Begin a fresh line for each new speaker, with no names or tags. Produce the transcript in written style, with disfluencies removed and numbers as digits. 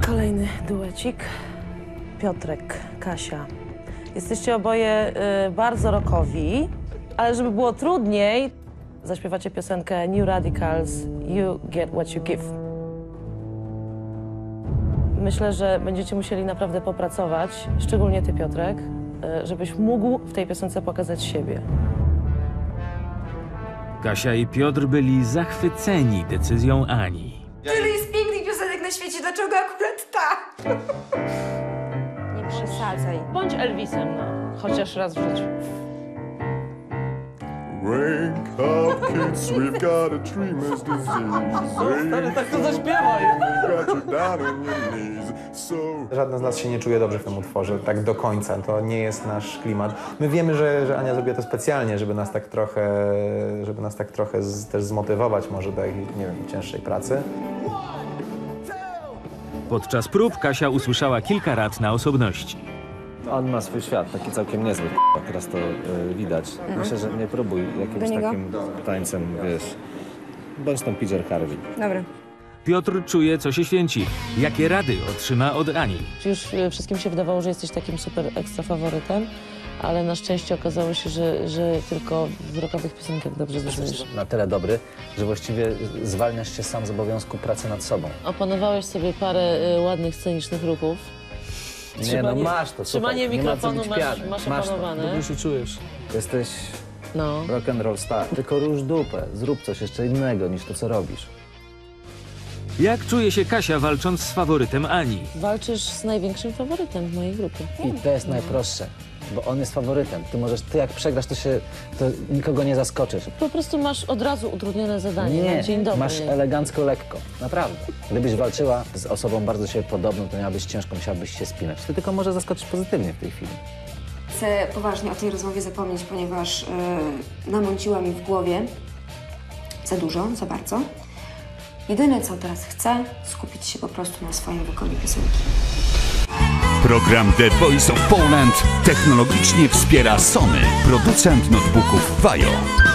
Kolejny duecik. Piotrek, Kasia. Jesteście oboje bardzo rockowi, ale żeby było trudniej, zaśpiewacie piosenkę New Radicals, You Get What You Give. Myślę, że będziecie musieli naprawdę popracować, szczególnie ty, Piotrek, żebyś mógł w tej piosence pokazać siebie.
Kasia i Piotr byli zachwyceni decyzją Ani.
Tyle jest pięknych piosenek na świecie, dlaczego akurat ta? Nie przesadzaj.
Bądź Elvisem, no, chociaż raz w życiu.
Wake up, kids, we've got a dreamer's disease.
Stary, tak to zaśpiewaj!
Got you down on your knees, so...
Żadna z nas się nie czuje dobrze w tym utworze, tak do końca. To nie jest nasz klimat. My wiemy, że Ania zrobiła to specjalnie, żeby nas tak trochę też zmotywować może do jakiejś, nie wiem, cięższej pracy.
Podczas prób Kasia usłyszała kilka rad na osobności.
On ma swój świat, taki całkiem niezły, teraz to widać. Myślę, że nie próbuj jakimś takim tańcem, wiesz, bądź tą PJ Harvey.
Dobra.
Piotr czuje, co się święci. Jakie rady otrzyma od Ani?
Już wszystkim się wydawało, że jesteś takim super ekstra faworytem, ale na szczęście okazało się, że tylko w rockowych piosenkach dobrze brzmisz.
Na tyle dobry, że właściwie zwalniasz się sam z obowiązku pracy nad sobą.
Opanowałeś sobie parę ładnych, scenicznych ruchów.
Nie, no masz to,
Trzymanie
super.
mikrofonu
Nie ma co być pijany.
masz opanowane.
Dobrze się czujesz. Jesteś
No.
rock and roll star. Tylko rusz dupę, zrób coś jeszcze innego niż to, co robisz.
Jak czuje się Kasia walcząc z faworytem Ani?
Walczysz z największym faworytem w mojej grupie.
I to jest najprostsze, bo on jest faworytem. Ty jak przegrasz, to nikogo nie zaskoczysz.
Po prostu masz od razu utrudnione zadanie na
Nie,
dzień dobry.
masz elegancko lekko, naprawdę. Gdybyś walczyła z osobą bardzo siebie podobną, to miałabyś ciężko, musiałabyś się spinać. Ty tylko może zaskoczyć pozytywnie w tej chwili.
Chcę poważnie o tej rozmowie zapomnieć, ponieważ namąciła mi w głowie za dużo, za bardzo. Jedyne, co teraz chcę, skupić się po prostu na swoim wykonaniu piosenki.
Program The Voice of Poland technologicznie wspiera Sony, producent notebooków Vajo.